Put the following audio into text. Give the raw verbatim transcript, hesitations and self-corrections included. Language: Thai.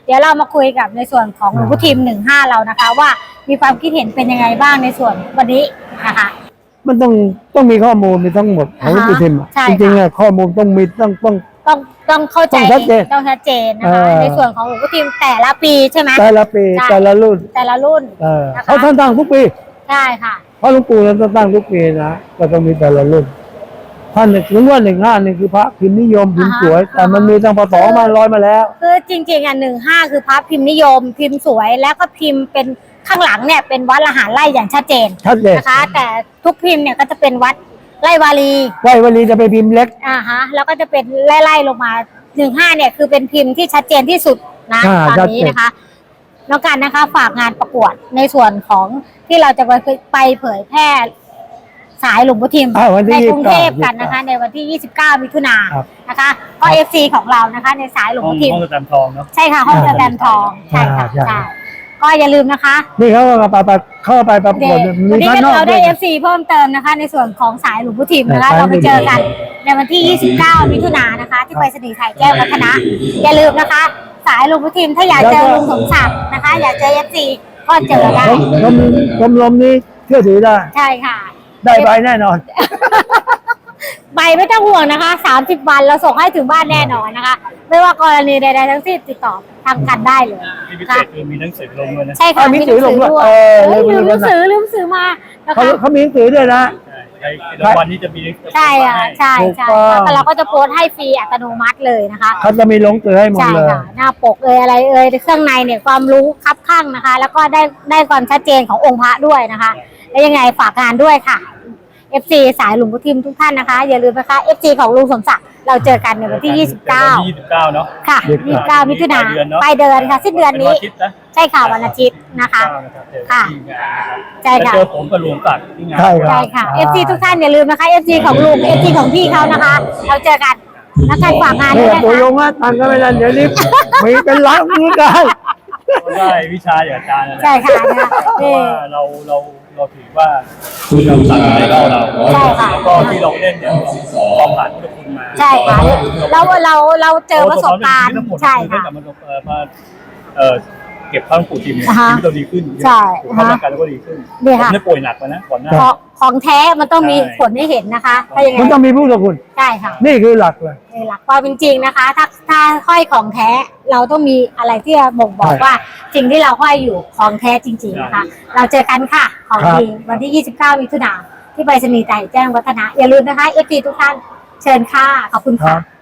เดี๋ยวเรามาคุยกับในส่วนของหลวงพ่อทิมหนึ่งห้าเรานะคะ ว่ามีความคิดเห็นเป็นยังไงบ้างในส่วนวันนี้นะคะมันต้องต้องมีข้อมูลมีทั้งหมดของหลวงพ่อทิมจริงๆอะข้อมูลต้องมีต้องต้องต้องต้องเข้าใจต้องชัดเจนต้องชัดเจนนะคะในส่วนของหลวงพ่อทิมแต่ละปีใช่ไหมแต่ละปีแต่ละรุ่นแต่ละรุ่นเขาท่านตั้งทุกปีใช่ค่ะเพราะหลวงปู่ท่านตั้งทุกปีนะก็ต้องมีแต่ละรุ่นท่านถึงว่าหนึ่งห้านี่คือพระพิมพ์นิยมพิมพ์สวยแต่มันมีตั้งพศมาร้อยมาแล้วคือจริงๆอ่ะหนึ่งห้าคือพระพิมพ์นิยมพิมพ์สวยแล้วก็พิมพ์เป็นข้างหลังเนี่ยเป็นวัดละหารไร่อย่างชัดเจนชัดเจนนะคะแต่ทุกพิมพ์เนี่ยก็จะเป็นวัดไร่วารีไร่วารีจะเป็นพิมพ์เล็กอ่าฮะแล้วก็จะเป็นไล่ๆลงมาหนึ่งห้าเนี่ยคือเป็นพิมพ์ที่ชัดเจนที่สุดนะตอนนี้นะคะน้องกันนะคะฝากงานประกวดในส่วนของที่เราจะไปไปเผยแพร่สายหลวงพ่อทิมในกรุงเทพกันนะคะในวันที่ยี่สิบเก้ามิถุนายนนะคะก็เอฟซีของเรานะคะในสายหลวงพ่อทิมห้องสแตมป์ทองเนาะใช่ค่ะห้องสแตมป์ทองใช่ค่ะใช่ก็อย่าลืมนะคะนี่เขาก็ไปเข้าไปประกวดวันนี้เราได้เอฟซีเพิ่มเติมนะคะในส่วนของสายหลวงพ่อทิมนะคะเราไปเจอกันในวันที่ยี่สิบเก้ามิถุนายนนะคะที่ไปสนีย์ไทยแก้ววัฒนะอย่าลืมนะคะสายหลวงพ่อทิมถ้าอยากเจอลุงสมศักดิ์นะคะอยากเจอเอฟซีก็เจอได้ชมชมรมนี้เชื่อถือได้ใช่ค่ะได้ใบแน่นอนใบไม่ต้องห่วงนะคะสามสิบวันเราส่งให้ถึงบ้านแน่นอนนะคะไม่ว่ากรณีใดๆทั้งสิ้นติดต่อทางกันได้เลยมีพิเศษคือมีหนังสือลงด้วยนะใช่ค่ะมีหนังสือลงด้วยเออลืมหนังสือลืมหนังสือมาเขาเขามีหนังสือด้วยนะในวันนี้จะมีใช่อ่ะใช่ใช่แต่เราก็จะโพสให้ฟรีอัตโนมัติเลยนะคะเขาจะมีลงสือให้หมดเลยใช่ค่ะหน้าปกเอ่ยอะไรเอ่ยเครื่องในเนี่ยความรู้คับข้างนะคะ แล้วก็ได้ได้ความชัดเจนขององค์พระด้วยนะคะแล้วยังไงฝากงานด้วยค่ะ เอฟ ซี สายหลวงพ่อทิมทุกท่านนะคะอย่าลืมนะคะ เอฟ ซี ของลุงสมศักดิ์เราเจอกันในวันที่ยี่สิบเก้ายี่สิบเก้าเนาะค่ะยี่สิบเก้ามิถุนายนปลายเดือนค่ะสิ้นเดือนนี้ใช่ค่ะวันอาทิตย์นะคะค่ะใช่ค่ะเจอผมกับลุงศักดิ์ที่งานใช่ค่ะ เอฟ ซี ทุกท่านอย่าลืมนะคะ เอฟ ซี ของลุง เอฟ ซี ของพี่เขานะคะเราเจอกันแล้วการฝากงานด้วยนะคะตัวลงว่าตังก็ไม่ได้เดี๋ยวนี้มีเป็นล้านมือได้ได้วิชาอย่างอาจารย์ใช่ค่ะว่าเราเราเราถือว่าคุณเราสั่งในเราเราแล้วก็ที่เราเล่นเนี่ยเราผ่านทุกคนมาใช่ค่ะเราเราเราเจอประสบการณ์ใช่ค่ะมาเอ่อเก็บข้าวปู่ทิมเนี่ยชีวิตเราดีขึ้นใช่ร่างกายเราก็ดีขึ้นผมไม่ป่วยหนักมานะก่อนหน้าของแท้มันต้องมีผลให้เห็นนะคะถ้าอย่างไงมันต้องมีผู้สกุลใช่ค่ะนี่คือหลักเลยหลักความเป็นจริงนะคะถ้าถ้าห้อยของแท้เราต้องมีอะไรที่จะบ่งบอกว่าสิ่งที่เราห้อยอยู่ของแท้จริงๆนะคะเราเจอกันค่ะของดีวันที่ยี่สิบเก้ามิถุนายนที่ไปรษณีย์ไทยแจ้งวัฒนะอย่าลืมนะคะ เอฟ ซี ทุกท่านเชิญค่ะขอบคุณค่ะ